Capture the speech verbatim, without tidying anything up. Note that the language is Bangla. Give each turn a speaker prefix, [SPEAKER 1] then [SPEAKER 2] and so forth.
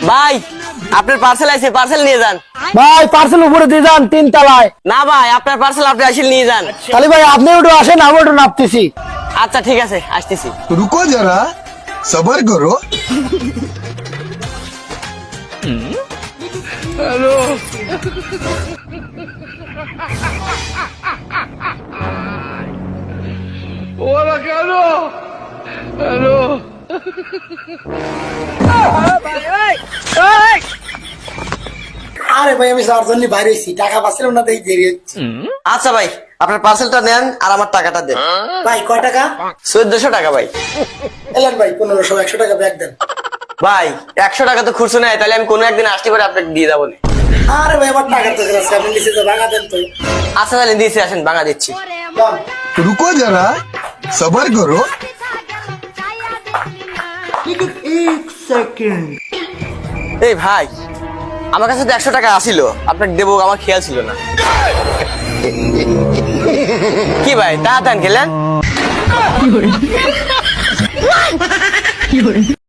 [SPEAKER 1] ভাই আপনার পার্সেল আছে, পার্সেল নিয়ে যান।
[SPEAKER 2] ভাই পার্সেল উপরে দিয়ে যান তিন তলায়।
[SPEAKER 1] না ভাই আপনার পার্সেল আপনি আসলে নিয়ে যান।
[SPEAKER 2] তাহলে ভাই আপনি একটু আসেন, আমি একটু নাপতেছি।
[SPEAKER 1] আচ্ছা ঠিক আছে, আসতেছি।
[SPEAKER 3] रुको जरा सबर करो।
[SPEAKER 2] আরে ভাই আমি যার জন্য বাইরে হয়েছি, টাকা পাচ্ছিলাম না, তাই দেরি হচ্ছে।
[SPEAKER 1] আচ্ছা ভাই আপনার পার্সেলটা নেন আর আমার টাকাটা দেন।
[SPEAKER 2] ভাই কয় টাকা?
[SPEAKER 1] চোদ্দশো টাকা ভাই।
[SPEAKER 2] এলেন ভাই পনেরোশো, একশো টাকা ব্যাগ দেন।
[SPEAKER 1] ভাই একশো টাকা তো খুচরো নেয়, তাহলে আমি কোনো একদিন আসতে পারে আপনাকে দিয়ে যাবো।
[SPEAKER 2] আরে ভাই আমার টাকার তো আছে, আপনি নিচে তো ভাঙা দেন তো।
[SPEAKER 1] আচ্ছা তাহলে দিয়েছি, আসেন ভাঙা দিচ্ছি।
[SPEAKER 2] যান।
[SPEAKER 3] रुको जरा सबर करो।
[SPEAKER 1] এই ভাই আমার কাছে তো একশো টাকা আসিল, আপনাকে দেবো আমার খেয়াল ছিল না। কি ভাই টাকা দেন গেলেন?